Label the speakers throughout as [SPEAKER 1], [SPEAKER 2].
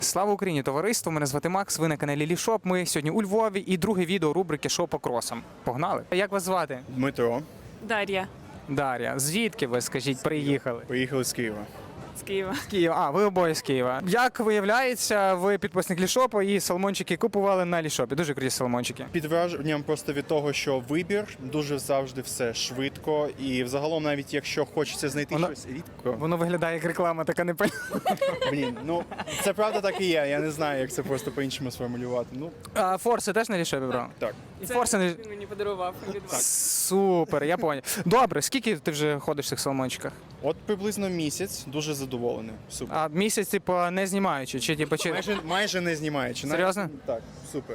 [SPEAKER 1] Слава Україні, товариство! Мене звати Макс, ви на каналі Лішоп. Ми сьогодні у Львові і друге відео рубрики «Шо по кросам». Погнали! Як вас звати?
[SPEAKER 2] Дмитро.
[SPEAKER 3] Дар'я
[SPEAKER 1] Дар'я. Звідки ви, скажіть, приїхали?
[SPEAKER 2] Приїхали з Києва.
[SPEAKER 3] з Києва.
[SPEAKER 1] З Києва. А, ви обоє з Києва. Як виявляється, ви підписник Лішопу і салмончики купували на Лішопі. Дуже круті салмончики.
[SPEAKER 2] Під враженням просто від того, що вибір дуже завжди все швидко. І взагалом, навіть якщо хочеться знайти щось рідко.
[SPEAKER 1] Воно виглядає як реклама, така не
[SPEAKER 2] Блін, ну це правда так і є. Я не знаю, як це просто по-іншому сформулювати. Ну
[SPEAKER 1] А форси теж на Лішопі брав?
[SPEAKER 2] так.
[SPEAKER 1] І
[SPEAKER 3] Це
[SPEAKER 1] форси не...
[SPEAKER 3] він мені подарував від вас.
[SPEAKER 1] Супер, я поняв. Добре, скільки ти вже ходиш в цих салмончиках?
[SPEAKER 2] От приблизно місяць, дуже задоволений. Супер.
[SPEAKER 1] А місяць, типу, не знімаючи? Чи, типу, чи...
[SPEAKER 2] Майже не знімаючи.
[SPEAKER 1] Серйозно?
[SPEAKER 2] Так, супер.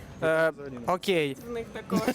[SPEAKER 1] Окей.
[SPEAKER 3] В них також.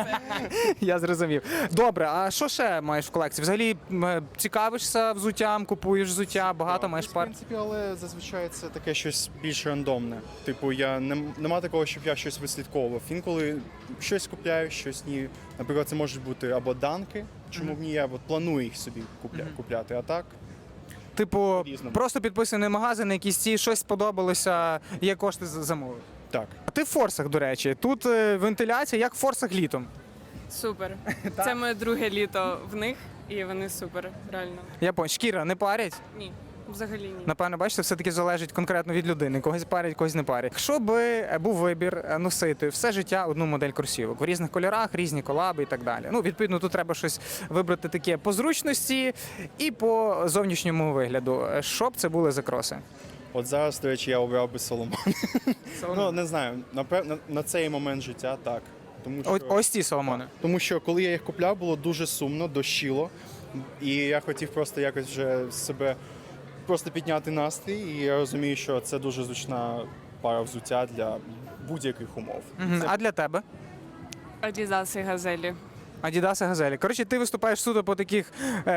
[SPEAKER 1] Я зрозумів. Добре, а що ще маєш в колекції? Взагалі цікавишся взуттям, купуєш взуття, багато маєш
[SPEAKER 2] В
[SPEAKER 1] пар?
[SPEAKER 2] принципі, але зазвичай це таке щось більш рандомне. Типу, я нема такого, щоб я щось вислідковував. Інколи щось купляю, щось ні. Наприклад, це можуть бути або данки, чому б ні, я от планую їх собі купляти. А так,
[SPEAKER 1] Типу,
[SPEAKER 2] По-різному.
[SPEAKER 1] просто підписаний магазин, якісь ці, щось сподобалося, є кошти замовив.
[SPEAKER 2] так.
[SPEAKER 1] А ти в форсах, до речі, тут вентиляція, як в форсах літом.
[SPEAKER 3] Супер. Це моє друге літо в них, і вони супер, реально.
[SPEAKER 1] Я понял, шкіра не парять?
[SPEAKER 3] Ні, взагалі ні.
[SPEAKER 1] Напевно, бачите, все-таки залежить конкретно від людини. Когось парять, когось не парять. Якщо би був вибір носити все життя одну модель кросівок в різних кольорах, різні колаби і так далі. Ну, відповідно, тут треба щось вибрати таке по зручності і по зовнішньому вигляду. Що б це були за кроси?
[SPEAKER 2] От зараз, до речі, я обрав би Соломон. Ну, не знаю, напевно, на цей момент життя так.
[SPEAKER 1] Ось ці Соломони.
[SPEAKER 2] Тому що коли я їх купляв, було дуже сумно, дощило. І я хотів просто якось вже себе просто підняти настрій. І я розумію, що це дуже зручна пара взуття для будь-яких умов.
[SPEAKER 1] Мгм. А для тебе?
[SPEAKER 3] Адідас і газелі.
[SPEAKER 1] Адідас і Газелі. Коротше, ти виступаєш суто по таких,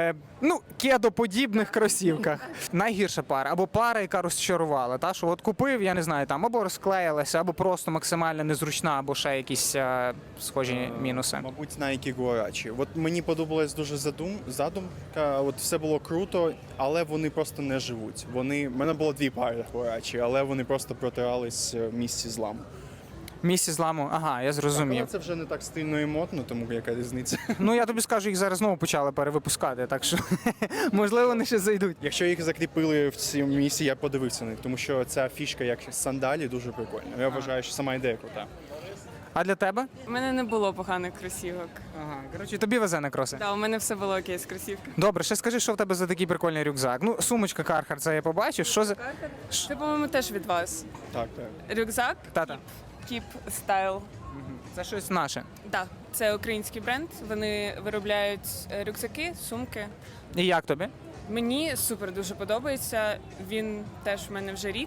[SPEAKER 1] кедоподібних кросівках. Найгірша пара, або пара, яка розчарувала. Та, що от купив, я не знаю, там, або розклеїлася, або просто максимально незручна, або ще якісь схожі мінуси.
[SPEAKER 2] Мабуть, Nike Guarachi. От мені подобалась дуже задумка, от все було круто, але вони просто не живуть. В мене було дві пари Guarachi, але вони просто протирались в місці зламу.
[SPEAKER 1] Місці зламу, ага, я
[SPEAKER 2] Але
[SPEAKER 1] зрозумів.
[SPEAKER 2] це вже не так стильно і модно, тому яка різниця.
[SPEAKER 1] Ну, я тобі скажу, їх зараз знову почали перевипускати, так що, можливо, вони ще зайдуть.
[SPEAKER 2] Якщо їх закріпили в цьому місці, я подивився на них, тому що ця фішка, як сандалі, дуже прикольна. Я вважаю, що сама ідея крута.
[SPEAKER 1] А для тебе?
[SPEAKER 3] У мене не було поганих кросівок.
[SPEAKER 1] Ага, коротше, тобі везе на кроси.
[SPEAKER 3] Так, у мене все було окей з кросівками.
[SPEAKER 1] Добре, ще скажи, що в тебе за такий прикольний рюкзак. Ну, сумочка Carhartt, це я побачив. Що за...
[SPEAKER 3] Це, по-моєму, теж від вас.
[SPEAKER 2] Так, так.
[SPEAKER 3] Рюкзак
[SPEAKER 1] Та-та.
[SPEAKER 3] Keep Style.
[SPEAKER 1] Це щось наше.
[SPEAKER 3] Так, це український бренд. Вони виробляють рюкзаки, сумки.
[SPEAKER 1] І як тобі?
[SPEAKER 3] Мені супер дуже подобається. Він теж в мене вже рік.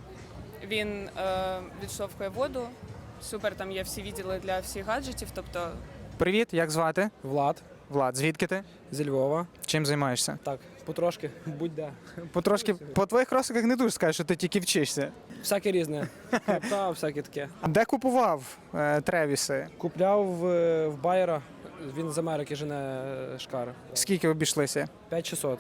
[SPEAKER 3] Він відштовхує воду. Супер, там є всі відділи для всіх гаджетів. Тобто
[SPEAKER 1] Привіт, як звати?
[SPEAKER 4] Влад
[SPEAKER 1] Влад, звідки ти?
[SPEAKER 4] зі Львова.
[SPEAKER 1] Чим займаєшся?
[SPEAKER 4] Так, потрошки, будь-де.
[SPEAKER 1] Потрошки, по твоїх кросиках не дуже скажеш, що ти тільки вчишся.
[SPEAKER 4] Всяке різне. Крипта, всяке таке.
[SPEAKER 1] Де купував Тревіси?
[SPEAKER 4] Купляв в Байера, він з Америки жене шкари.
[SPEAKER 1] Скільки обійшлися?
[SPEAKER 4] 5600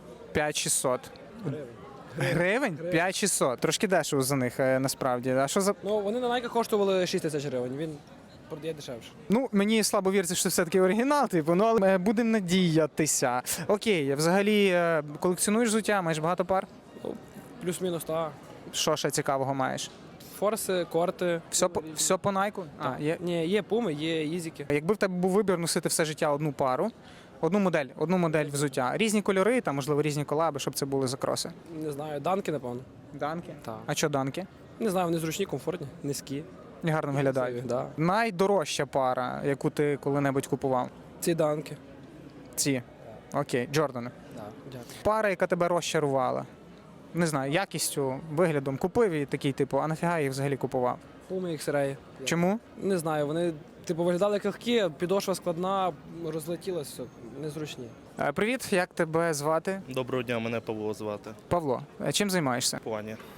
[SPEAKER 1] 5600.
[SPEAKER 4] гривень.
[SPEAKER 1] Гривень? 5600. Трошки дешево за них, насправді. А що за...
[SPEAKER 4] Ну, вони на Nike коштували 6 тисяч гривень, він продає дешевше.
[SPEAKER 1] Ну, мені слабо віриться, що це все-таки оригінал, типу, ну, але будемо надіятися. Окей, взагалі колекціонуєш взуття, маєш багато пар?
[SPEAKER 4] Ну, плюс-мінус, так.
[SPEAKER 1] Що ще цікавого маєш?
[SPEAKER 4] Форси, корти.
[SPEAKER 1] Все по найку?
[SPEAKER 4] Так. Ні, є пуми, є ізіки.
[SPEAKER 1] Якби в тебе був вибір носити все життя одну пару, одну модель взуття, різні кольори, там, можливо, різні колаби, щоб це були за кроси.
[SPEAKER 4] Не знаю, данки, напевно.
[SPEAKER 1] Данки?
[SPEAKER 4] Так.
[SPEAKER 1] А що данки?
[SPEAKER 4] Не знаю, вони зручні, комфортні, низькі.
[SPEAKER 1] І гарно виглядають.
[SPEAKER 4] Да.
[SPEAKER 1] Найдорожча пара, яку ти коли-небудь купував?
[SPEAKER 4] Ці данки.
[SPEAKER 1] Ці. Окей, Джордани.
[SPEAKER 4] Да, дякую.
[SPEAKER 1] Пара, яка тебе розчарувала. Не знаю, якістю, виглядом купив і такий, типу, а нафіга їх взагалі купував?
[SPEAKER 4] Пуми, X-Ray.
[SPEAKER 1] Чому?
[SPEAKER 4] Не знаю, вони типу виглядали як легкі, підошва складна, розлетілася, незручні.
[SPEAKER 1] Привіт, як тебе звати?
[SPEAKER 5] Доброго дня, мене Павло звати.
[SPEAKER 1] Павло. Чим займаєшся?
[SPEAKER 5] Плані.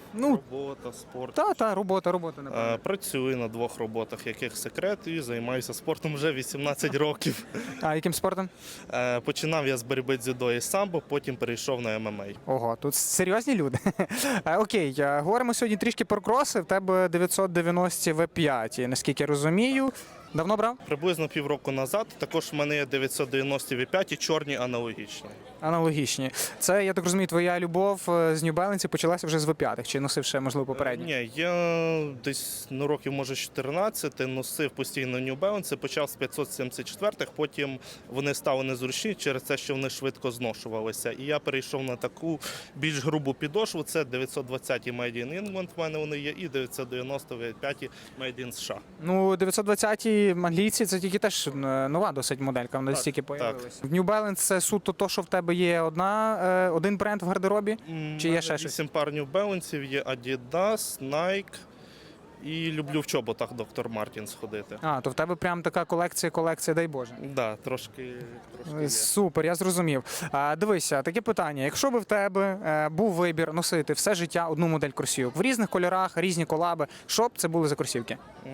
[SPEAKER 1] Ну,
[SPEAKER 5] Робота, спорт.
[SPEAKER 1] та, робота, напевно.
[SPEAKER 5] Працюю на 2 роботах, яких секрет, і займаюся спортом вже 18 років.
[SPEAKER 1] А яким спортом?
[SPEAKER 5] Починав я з боротьби дзюдо і самбо, потім перейшов на ММА.
[SPEAKER 1] Ого, тут серйозні люди. Окей, говоримо сьогодні трішки про кроси. В тебе 990 V5, наскільки я розумію. Давно брав?
[SPEAKER 5] Приблизно півроку назад також в мене є 990 V5 і чорні аналогічні.
[SPEAKER 1] Аналогічні. Це, я так розумію, твоя любов з New Balance почалася вже з V5, чи носив ще, можливо, попередні?
[SPEAKER 5] Ні, я десь років, може, 14 носив постійно New Balance, почав з 574-х, потім вони стали незручні через те, що вони швидко зношувалися. І я перейшов на таку більш грубу підошву, це 920 Made in England, в мене вони є, і 990 V5 Made in США.
[SPEAKER 1] Ну, 920 англійці це тільки теж нова досить моделька, вона
[SPEAKER 5] Так,
[SPEAKER 1] стільки
[SPEAKER 5] так.
[SPEAKER 1] появилася. В New Balance це суто то, що в тебе є один бренд в гардеробі? Чи є ще щось?
[SPEAKER 5] 8 пар New Balance, є Adidas, Nike. І люблю в чоботах Dr. Martens ходити.
[SPEAKER 1] А, то в тебе прям така колекція, дай Боже.
[SPEAKER 5] Да, трошки є.
[SPEAKER 1] Супер, я зрозумів. Дивися, таке питання. Якщо би в тебе був вибір носити все життя одну модель кросівок в різних кольорах, різні колаби, що б це були за кросівки?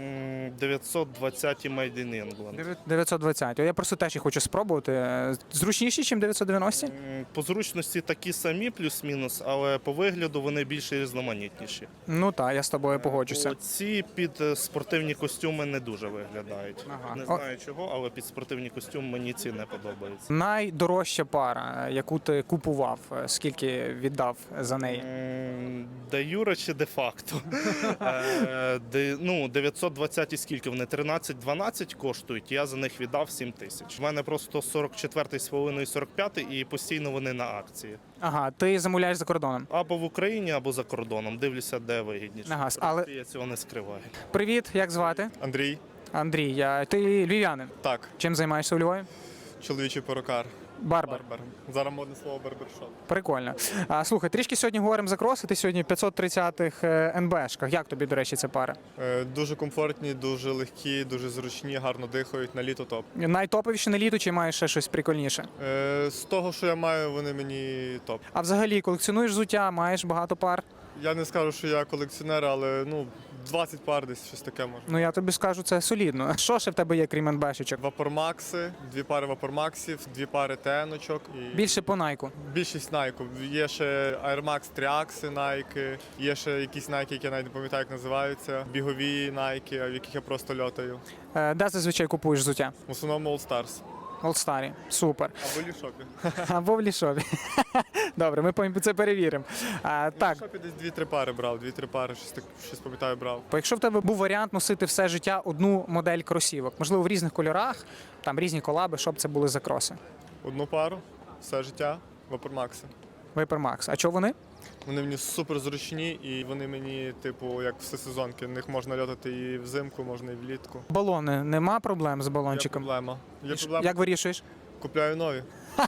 [SPEAKER 5] 920 Made in England.
[SPEAKER 1] 920. О, я просто теж їх хочу спробувати. Зручніші, ніж 990?
[SPEAKER 5] По зручності такі самі, плюс-мінус, але по вигляду вони більш різноманітніші.
[SPEAKER 1] Ну так, я з тобою погоджуся.
[SPEAKER 5] Ці під спортивні костюми не дуже виглядають.
[SPEAKER 1] Ага.
[SPEAKER 5] Не знаю чого, але під спортивні костюми мені ці не подобаються.
[SPEAKER 1] Найдорожча пара, яку ти купував, скільки віддав за неї?
[SPEAKER 5] Де юре чи де-факто? 920 і скільки вони? 13-12 коштують, я за них віддав 7 тисяч. У мене просто 44-й з половиною 45-й і постійно вони на акції.
[SPEAKER 1] Ага, ти замовляєш за кордоном.
[SPEAKER 5] Або в Україні, або за кордоном. Дивлюся, де вигідніше.
[SPEAKER 1] Ага,
[SPEAKER 5] В
[SPEAKER 1] але-
[SPEAKER 5] принципі, я цього не скриваю.
[SPEAKER 1] Привіт, як звати?
[SPEAKER 2] Андрій,
[SPEAKER 1] Андрій, ти львів'янин.
[SPEAKER 2] так,
[SPEAKER 1] Чим займаєшся у Львові?
[SPEAKER 2] чоловічий перукар.
[SPEAKER 1] Барбер.
[SPEAKER 2] Барбер. Зараз модне слово барбершоп.
[SPEAKER 1] Прикольно. Слухай, трішки сьогодні говоримо за кроси. Ти сьогодні в 530-х НБшках. Як тобі, до речі, ця пара?
[SPEAKER 2] Дуже комфортні, дуже легкі, дуже зручні, гарно дихають, на літо топ.
[SPEAKER 1] Найтоповіші на літо чи маєш ще щось прикольніше?
[SPEAKER 2] З того, що я маю, вони мені топ.
[SPEAKER 1] А взагалі колекціонуєш взуття, маєш багато пар?
[SPEAKER 2] Я не скажу, що я колекціонер, але 20 пар десь щось таке може.
[SPEAKER 1] Ну я тобі скажу, це солідно. Що ще в тебе є, крім НБшечок?
[SPEAKER 2] Вапормакси, 2 пари вапормаксів, 2 пари теночок і
[SPEAKER 1] Більше по найку.
[SPEAKER 2] більшість найку. Є ще Air Max Triaxi Nike, є ще якісь Nike, які я навіть не пам'ятаю, як називаються, бігові Nike, в яких я просто льотаю.
[SPEAKER 1] Де зазвичай купуєш взуття?
[SPEAKER 2] В основному All Stars.
[SPEAKER 1] Олдстарі. Супер.
[SPEAKER 2] Або Лішопі.
[SPEAKER 1] Або в лішові. Добре, ми це перевіримо. Так,
[SPEAKER 2] Лішопі десь 2-3 пари брав, 2-3 пари, щось пам'ятаю, брав.
[SPEAKER 1] бо якщо в тебе був варіант носити все життя одну модель кросівок, можливо, в різних кольорах, там різні колаби, що б це були за кроси?
[SPEAKER 2] Одну пару, все життя, Вапормакси.
[SPEAKER 1] Vapor Max. А чого вони?
[SPEAKER 2] Вони мені супер зручні і вони мені, типу, як всесезонки. В них можна льотати і взимку, можна і влітку.
[SPEAKER 1] Балони. Нема проблем з
[SPEAKER 2] Є
[SPEAKER 1] балончиком?
[SPEAKER 2] проблема. Є
[SPEAKER 1] І
[SPEAKER 2] проблема.
[SPEAKER 1] Як вирішуєш?
[SPEAKER 2] Купляю нові.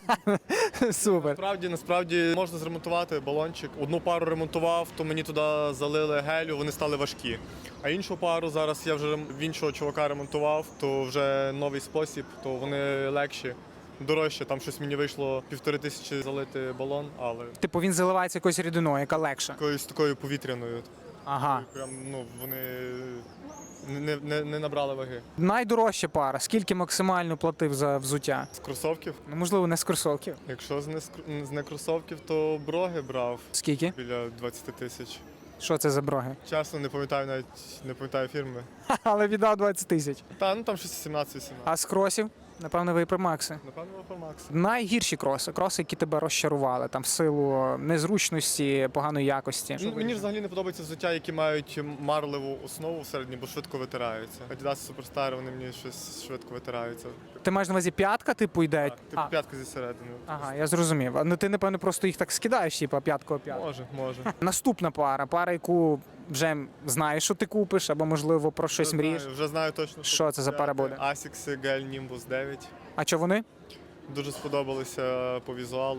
[SPEAKER 1] Супер.
[SPEAKER 2] Насправді можна зремонтувати балончик. Одну пару ремонтував, то мені туди залили гелю, вони стали важкі. А іншу пару зараз я вже в іншого чувака ремонтував, то вже новий спосіб, то вони легші. Дорожче, там щось мені вийшло 1500 залити балон, але
[SPEAKER 1] Типу він заливається якоюсь рідиною, яка легша.
[SPEAKER 2] якоюсь такою повітряною.
[SPEAKER 1] Ага.
[SPEAKER 2] Прям, вони не набрали ваги.
[SPEAKER 1] Найдорожча пара. Скільки максимально платив за взуття?
[SPEAKER 2] З кросовків.
[SPEAKER 1] Ну, можливо, не з кросовків.
[SPEAKER 2] Якщо з не кросовків, то броги брав
[SPEAKER 1] Скільки?
[SPEAKER 2] біля 20 тисяч.
[SPEAKER 1] Що це за броги?
[SPEAKER 2] Чесно, не пам'ятаю фірми.
[SPEAKER 1] Але віддав 20 тисяч.
[SPEAKER 2] Там щось 17-18.
[SPEAKER 1] А з кросів? Напевно, Vapor Max.
[SPEAKER 2] Напевно, Вапормакс.
[SPEAKER 1] Найгірші кроси, які тебе розчарували, там в силу незручності, поганої якості.
[SPEAKER 2] Мені взагалі не подобається взуття, які мають марливу основу всередині, бо швидко витираються. Adidas Superstar, вони мені щось швидко витираються.
[SPEAKER 1] Ти маєш на увазі п'ятка, типу, йде?
[SPEAKER 2] Так, типу п'ятка зі середини.
[SPEAKER 1] Ага, я зрозумів. Ну ти, напевно, просто їх так скидаєш, типу, п'ятку о п'ятку.
[SPEAKER 2] Може.
[SPEAKER 1] Наступна пара, яку вже знаєш, що ти купиш, або, можливо, про щось мрієш.
[SPEAKER 2] Вже знаю точно.
[SPEAKER 1] Що це за пара буде?
[SPEAKER 2] Asics Gel Nimbus 9.
[SPEAKER 1] А що вони?
[SPEAKER 2] Дуже сподобалися по візуалу.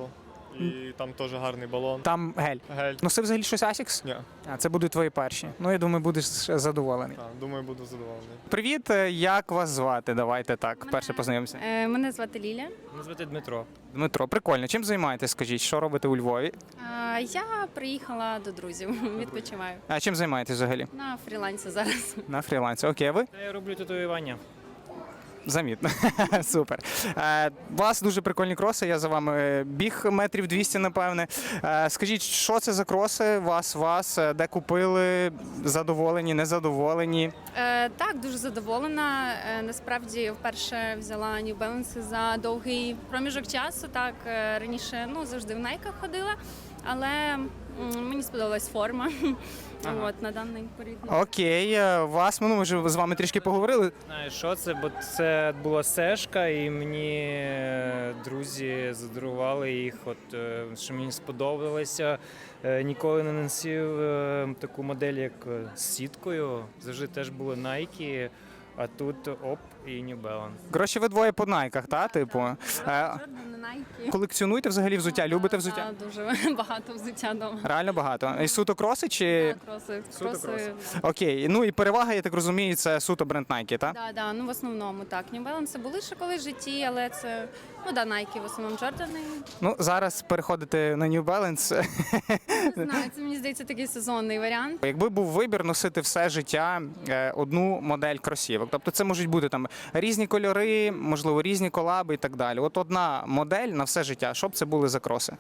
[SPEAKER 6] І там теж гарний балон.
[SPEAKER 1] Там гель.
[SPEAKER 6] Гель.
[SPEAKER 1] Носив взагалі щось Asics?
[SPEAKER 6] Ні.
[SPEAKER 1] А це будуть твої перші. Ну, я думаю, будеш задоволений.
[SPEAKER 6] Так, думаю, буду задоволений.
[SPEAKER 1] Привіт, як вас звати? Давайте так, перше познайомимося.
[SPEAKER 7] Мене звати Ліля.
[SPEAKER 4] Мене звати Дмитро.
[SPEAKER 1] Дмитро, прикольно. Чим займаєтесь, скажіть? Що робите у Львові?
[SPEAKER 7] Я приїхала до друзів, відпочиваю.
[SPEAKER 1] А чим займаєтесь взагалі?
[SPEAKER 7] На фрілансі зараз.
[SPEAKER 1] На фрілансі. Окей, а ви?
[SPEAKER 4] Я роблю татуювання.
[SPEAKER 1] Замітно. Супер. У вас дуже прикольні кроси. Я за вами біг метрів 200, напевне. Скажіть, що це за кроси? Вас, де купили? Задоволені, незадоволені?
[SPEAKER 7] Так, дуже задоволена. Насправді вперше взяла New Balance за довгий проміжок часу. Так, раніше завжди в Найках ходила, але мені сподобалась форма.
[SPEAKER 1] Ага.
[SPEAKER 7] От, на даний період.
[SPEAKER 1] Окей, вас, ми вже з вами трішки поговорили.
[SPEAKER 8] Знаєш, що це? Бо це була сешка, і мені друзі задарували їх, що мені сподобалося. Ніколи не носив таку модель, як з сіткою. Завжди теж були Nike, а тут оп і New Balance.
[SPEAKER 1] Коротше, ви двоє по найках, та? Типу.
[SPEAKER 7] Jordan, Nike.
[SPEAKER 1] Колекціонуєте взагалі взуття? Любите взуття?
[SPEAKER 7] Так, дуже багато взуття вдома.
[SPEAKER 1] Реально багато. І суто кроси чи.
[SPEAKER 7] Кроси.
[SPEAKER 1] кроси. Окей. Ну і перевага, я так розумію, це суто бренд Nike, так?
[SPEAKER 7] Так, в основному так. New Balance були ще колись в житті, але це Nike, в основному Джордани.
[SPEAKER 1] Ну, зараз переходити на New Balance.
[SPEAKER 7] Не знаю, це мені здається такий сезонний варіант.
[SPEAKER 1] Якби був вибір носити все життя одну модель кросівок, тобто це можуть бути там різні кольори, можливо, різні колаби і так далі. От одна модель на все життя, що б це були за кроси?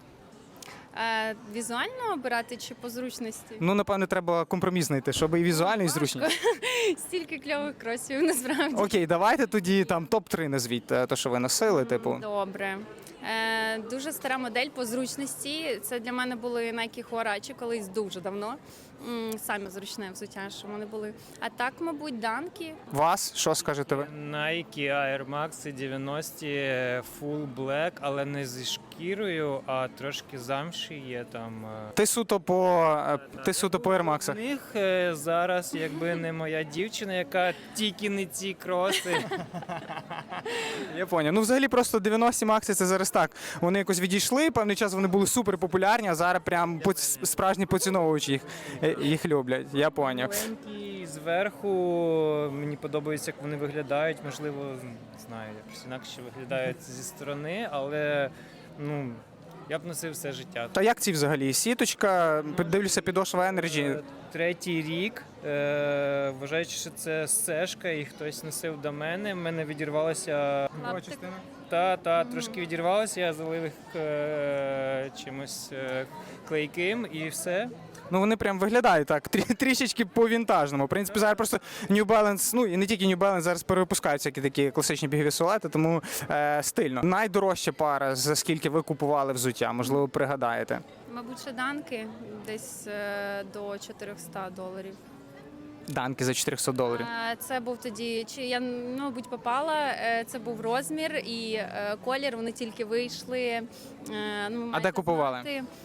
[SPEAKER 7] Візуально обирати чи по зручності?
[SPEAKER 1] Ну, напевне, треба компроміс знайти, щоб і візуально, і зручно.
[SPEAKER 7] Стільки кльових кросів, насправді.
[SPEAKER 1] Окей, давайте тоді там топ-3 назвіть, то, що ви носили, типу.
[SPEAKER 7] Добре. Дуже стара модель по зручності. Це для мене були Nike Huarache колись дуже давно. Саме зручне взуття, що вони були. А так, мабуть, данки.
[SPEAKER 1] Вас, що скажете ви?
[SPEAKER 8] Nike Air Max 90 Full Black, але не зі шкірою, а трошки замші є там.
[SPEAKER 1] Ти суто по Air Max.
[SPEAKER 8] У них зараз, якби не моя дівчина, яка тільки не ці кроси.
[SPEAKER 1] Я поняв. Ну, взагалі, просто 90 Макси це зараз так. Вони якось відійшли, певний час вони були супер популярні, а зараз прям справжні поціновувачі їх люблять. Я поняв.
[SPEAKER 8] Маленькі зверху, мені подобається, як вони виглядають. Можливо, не знаю, якось інакше виглядають зі сторони, але я б носив все життя.
[SPEAKER 1] Та як ці взагалі? Сіточка, дивлюся, підошва Energy.
[SPEAKER 8] Третій рік, вважаючи, що це сешка, і хтось носив до мене. В мене відірвалося. Трошки відірвалося, я залив їх чимось клейким і все.
[SPEAKER 1] Ну вони прям виглядають так, трішечки по-вінтажному. В принципі, зараз просто New Balance, ну і не тільки New Balance, зараз перевипускають всякі такі класичні бігові силуети, тому стильно. Найдорожча пара, за скільки ви купували взуття, можливо, пригадаєте?
[SPEAKER 7] Мабуть, ще данки десь до $400.
[SPEAKER 1] Данки за $400.
[SPEAKER 7] Це був тоді, чи я, мабуть, попала, це був розмір і колір, вони тільки вийшли.
[SPEAKER 1] А де купували?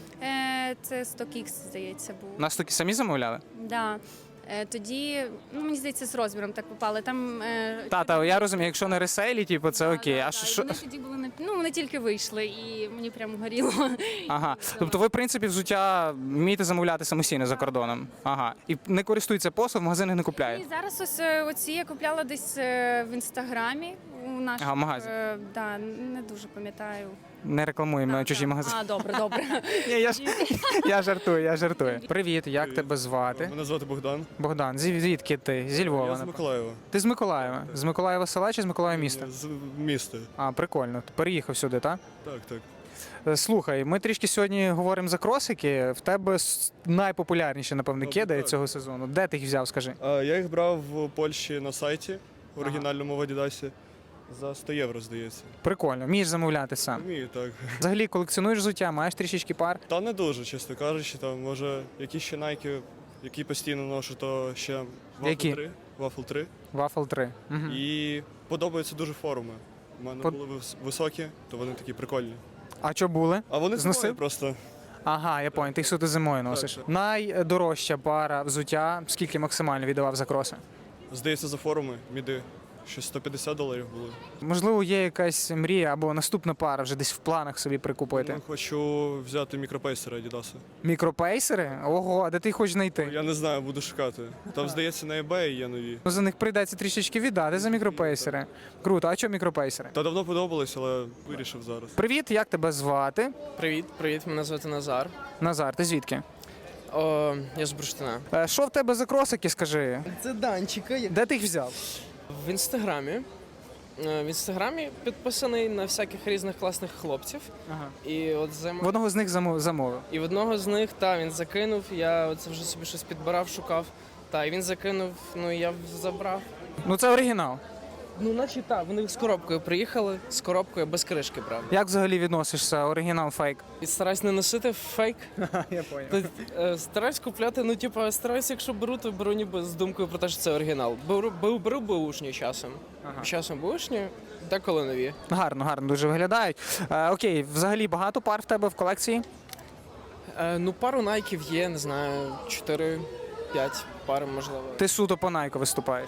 [SPEAKER 7] Це StockX, здається, був.
[SPEAKER 1] Нас таки самі замовляли?
[SPEAKER 7] Да. Тоді, мені здається, з розміром так попали. Там
[SPEAKER 1] Та, я розумію, якщо на ресейлі, типу, це окей. А що?
[SPEAKER 7] Вони тоді були вони тільки вийшли, і мені прямо горіло.
[SPEAKER 1] Ага. Тобто ви, в принципі, взуття вмієте замовляти самостійно за кордоном? Ага. І не користуються послуг, в магазинах не купляють?
[SPEAKER 7] І зараз ось оці я купляла десь в інстаграмі у наших.
[SPEAKER 1] Ага, в магазин.
[SPEAKER 7] Да, не дуже пам'ятаю.
[SPEAKER 1] Не рекламуємо чужі магазини.
[SPEAKER 7] Добре.
[SPEAKER 1] Ні, я жартую. Привіт, як тебе звати?
[SPEAKER 2] Мене звати Богдан.
[SPEAKER 1] Богдан, звідки ти? Зі Львова.
[SPEAKER 2] Я з Миколаєва.
[SPEAKER 1] Ти з Миколаєва? З Миколаєва села чи з Миколаєва міста?
[SPEAKER 2] З міста.
[SPEAKER 1] А, прикольно. Ти переїхав сюди, так?
[SPEAKER 2] Так.
[SPEAKER 1] Слухай, ми трішки сьогодні говоримо за кросики. В тебе найпопулярніші, напевно, кеди
[SPEAKER 2] так.
[SPEAKER 1] цього сезону. Де ти їх взяв, скажи?
[SPEAKER 2] Я їх брав в Польщі на сайті, в оригінальному в Адідасі. За 100 євро, здається.
[SPEAKER 1] Прикольно, вмієш замовляти сам.
[SPEAKER 2] Вмію, так.
[SPEAKER 1] Взагалі колекціонуєш взуття, маєш трішечки пар.
[SPEAKER 2] Та не дуже, чесно кажучи. Там, може, якісь ще Nike, які постійно ношу, то ще
[SPEAKER 1] Які?
[SPEAKER 2] Waffle 3.
[SPEAKER 1] Waffle 3. Угу.
[SPEAKER 2] І подобаються дуже форми. У мене були високі, то вони такі прикольні.
[SPEAKER 1] А що були?
[SPEAKER 2] А вони
[SPEAKER 1] Зносив?
[SPEAKER 2] зимою просто.
[SPEAKER 1] Ага, я понял, ти їх суто зимою носиш.
[SPEAKER 2] Так.
[SPEAKER 1] Найдорожча пара взуття, скільки максимально віддавав за кроси?
[SPEAKER 2] Здається, за форми, міди.
[SPEAKER 6] Щось $150 було.
[SPEAKER 1] Можливо, є якась мрія або наступна пара вже десь в планах собі прикупити.
[SPEAKER 6] Ну, хочу взяти мікропейсери Adidas.
[SPEAKER 1] Мікропейсери? Ого, а де ти їх хочеш знайти?
[SPEAKER 6] Я не знаю, буду шукати. Там, здається, на eBay є нові.
[SPEAKER 1] Ну, за них прийдеться трішечки віддати за мікропейсери. Круто, а що мікропейсери?
[SPEAKER 6] Та давно подобалось, але вирішив зараз.
[SPEAKER 1] Привіт, як тебе звати?
[SPEAKER 9] Привіт, мене звати Назар.
[SPEAKER 1] Назар, ти звідки?
[SPEAKER 9] Я з Бурштина.
[SPEAKER 1] Що в тебе за кросики, скажи?
[SPEAKER 9] Це Данчика.
[SPEAKER 1] Де ти їх взяв?
[SPEAKER 9] В інстаграмі. В інстаграмі підписаний на всяких різних класних хлопців.
[SPEAKER 1] Ага.
[SPEAKER 9] І от
[SPEAKER 1] В одного з них замовив.
[SPEAKER 9] І в одного з них, він закинув. Я оце вже собі щось підбирав, шукав. І він закинув, і я забрав.
[SPEAKER 1] Ну це оригінал.
[SPEAKER 9] Ну, наче вони з коробкою приїхали, з коробкою без кришки, правда.
[SPEAKER 1] Як взагалі відносишся? Оригінал, фейк?
[SPEAKER 9] І стараюсь не носити фейк.
[SPEAKER 1] Я понял.
[SPEAKER 9] Стараюсь купляти, стараюсь, якщо беру, то беру ніби з думкою про те, що це оригінал. Беру беушні часом. Часом беушні, деколи нові.
[SPEAKER 1] Гарно дуже виглядають. Окей, взагалі багато пар в тебе в колекції?
[SPEAKER 9] Пару найків є, не знаю, 4-5 пар, можливо.
[SPEAKER 1] Ти суто по Nike виступаєш.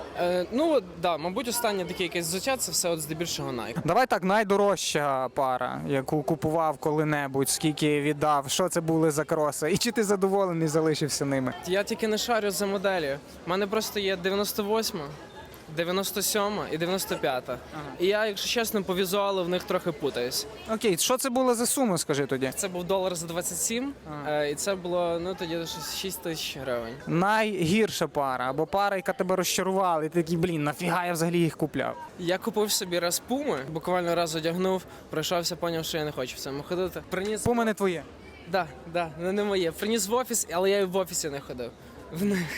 [SPEAKER 9] Мабуть, останнє таке якесь взуття, це все здебільшого Nike.
[SPEAKER 1] Давай так, найдорожча пара, яку купував коли-небудь, скільки віддав, що це були за кроси, і чи ти задоволений залишився ними?
[SPEAKER 9] Я тільки не шарю за моделі. У мене просто є 98, 97 і 95. І я, якщо чесно, по візуалу в них трохи путаюсь.
[SPEAKER 1] Окей, що це було за сума, скажи тоді?
[SPEAKER 9] Це був $1 за 27, і це було, тоді щось 6 тисяч гривень.
[SPEAKER 1] Найгірша пара, або пара, яка тебе розчарувала, і ти такий, блін, нафіга я взагалі їх купляв?
[SPEAKER 9] Я купив собі раз пуми, буквально раз одягнув, пройшовся, поняв, що я не хочу в цьому ходити. Приніс...
[SPEAKER 1] Пума не твоє.
[SPEAKER 9] Да, не моє. Приніс в офіс, але я і в офісі не ходив. В них.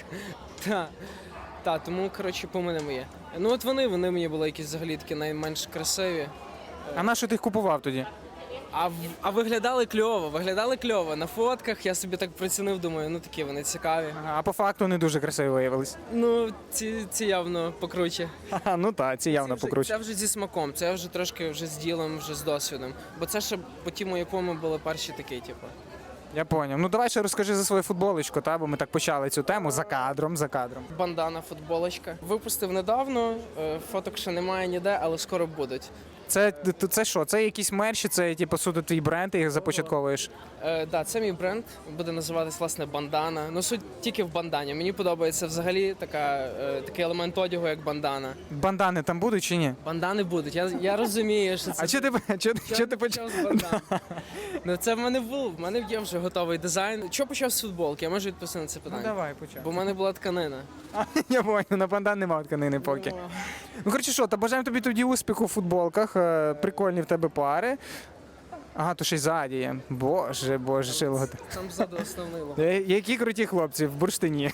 [SPEAKER 9] Тому, пуми не моє. Вони мені були якісь взагалі такі найменш красиві.
[SPEAKER 1] А на що ти їх купував тоді?
[SPEAKER 9] А виглядали кльово. На фотках я собі так прицінив, думаю, такі вони цікаві.
[SPEAKER 1] А по факту не дуже красиво виявились.
[SPEAKER 9] Ці явно покруче.
[SPEAKER 1] Ну так, ці явно покруче.
[SPEAKER 9] Це вже зі смаком, це вже трошки з ділом, вже з досвідом. Бо це ще по ті мої пуми були перші такі,
[SPEAKER 1] Я поняв. Ну давай ще розкажи за свою футболочку, бо ми так почали цю тему за кадром.
[SPEAKER 9] Бандана, футболочка. Випустив недавно, фоток ще немає ніде, але скоро будуть.
[SPEAKER 1] Це що? Це якісь мерчі, це типу суто твій бренд, ти їх започатковуєш?
[SPEAKER 9] Це мій бренд, буде називатись, власне, бандана. Суть тільки в бандані. Мені подобається взагалі такий елемент одягу, як бандана.
[SPEAKER 1] Бандани там будуть чи ні?
[SPEAKER 9] Бандани будуть, я розумію, що це...
[SPEAKER 1] А чого ти почав?
[SPEAKER 9] з бандани? Це в мене був, в мене є вже готовий дизайн. Чого почав з футболки? Я можу відповісти на це питання.
[SPEAKER 1] Давай, почав.
[SPEAKER 9] Бо в мене була тканина.
[SPEAKER 1] Я поняв, на бандан немає тканини поки. Ну, коротше, що, та бажаємо тобі тоді успіху в футболках, прикольні в тебе пари. Ага, то ще й ззаді є. Боже, шило.
[SPEAKER 9] Там ззаду основний лого.
[SPEAKER 1] Які круті хлопці в бурштині.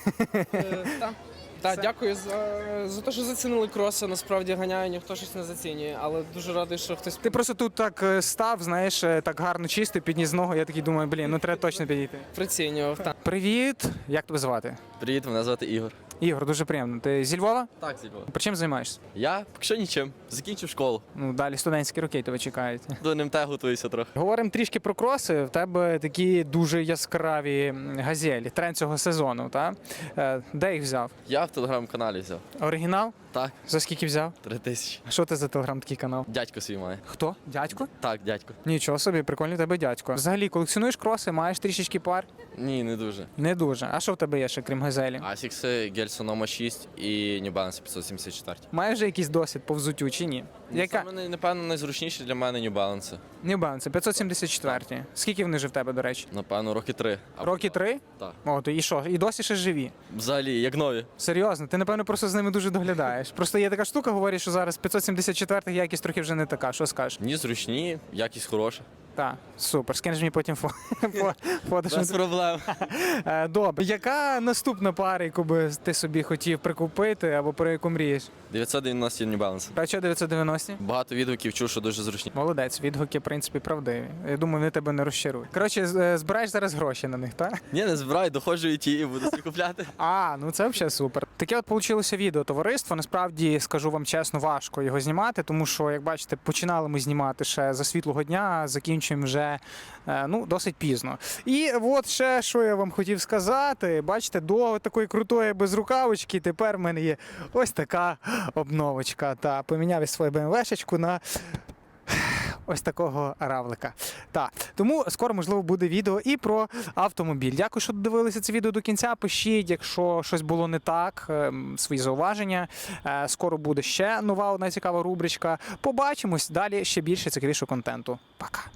[SPEAKER 9] Так, дякую за те, що зацінили кроси. Насправді ганяю, ніхто щось не зацінює, але дуже радий, що хтось...
[SPEAKER 1] Ти просто тут так став, знаєш, так гарно чистий, підніс ногу, я такий думаю, блін, треба точно підійти.
[SPEAKER 9] Прицінював.
[SPEAKER 1] Привіт, як тебе звати?
[SPEAKER 10] Привіт, мене звати Ігор.
[SPEAKER 1] Ігор, дуже приємно. Ти зі Львова?
[SPEAKER 10] Так, зі Львова.
[SPEAKER 1] Чим займаєшся?
[SPEAKER 10] Я поки що нічим. Закінчив школу.
[SPEAKER 1] Ну, далі студентські роки тебе чекають.
[SPEAKER 10] До НМТ готуюся трохи.
[SPEAKER 1] Говоримо трішки про кроси. В тебе такі дуже яскраві газелі, тренд цього сезону, так? Де їх взяв?
[SPEAKER 10] Я в телеграм-каналі взяв.
[SPEAKER 1] Оригінал?
[SPEAKER 10] Так,
[SPEAKER 1] За скільки взяв?
[SPEAKER 10] 3000.
[SPEAKER 1] А що це за телеграм такий канал?
[SPEAKER 10] Дядько свій має.
[SPEAKER 1] Хто? Дядько?
[SPEAKER 10] Так, дядько.
[SPEAKER 1] Нічого собі, прикольний в тебе дядько. Взагалі, колекціонуєш кроси, маєш трішечки пар?
[SPEAKER 10] Ні, не дуже.
[SPEAKER 1] Не дуже. А що в тебе є ще, крім газелі?
[SPEAKER 10] Asics Гельсо Нома 6 і New Balance 574.
[SPEAKER 1] Маєш вже якийсь досвід по взуттю чи ні? Яка?
[SPEAKER 10] Саме, напевно, найзручніше для мене New Balance.
[SPEAKER 1] New Balance, 574. Скільки вони вже в тебе, до речі?
[SPEAKER 10] Напевно, роки 3.
[SPEAKER 1] Роки 3?
[SPEAKER 10] Так.
[SPEAKER 1] О, то і що? І досі ще живі?
[SPEAKER 10] Взагалі, як нові.
[SPEAKER 1] Серйозно, ти, напевно, просто з ними дуже доглядаєш. Просто є така штука, говорять, що зараз 574 якість трохи вже не така. Що скажеш?
[SPEAKER 10] Ні, зручні, якість хороша.
[SPEAKER 1] Так, супер. Скинеш мені потім фото.
[SPEAKER 10] Без проблем.
[SPEAKER 1] Добре. Яка наступна пара, яку би ти собі хотів прикупити або про яку мрієш?
[SPEAKER 10] 990 New Balance.
[SPEAKER 1] А що 990?
[SPEAKER 10] Багато відгуків чув, що дуже зручні.
[SPEAKER 1] Молодець, відгуки, в принципі, правдиві. Я думаю, вони тебе не розчарують. Коротше, збираєш зараз гроші на них, так?
[SPEAKER 10] Ні, не збираю, доходжу і ті, і буду собі купляти.
[SPEAKER 1] Ну це взагалі супер. Таке от вийшло відео товариство. Насправді, скажу вам чесно, важко його знімати, тому що, як бачите, починали ми знімати ще за світлого дня, закінчуємо побачимо вже досить пізно. І от ще, що я вам хотів сказати, бачите, до такої крутої безрукавочки тепер в мене є ось така обновочка. Та поміняв я свою BMW-шечку на ось такого равлика. Так, тому скоро, можливо, буде відео і про автомобіль. Дякую, що додивилися це відео до кінця. Пишіть, якщо щось було не так, свої зауваження. Скоро буде ще нова одна цікава рубричка. Побачимось далі ще більше цікавішого контенту. Пока.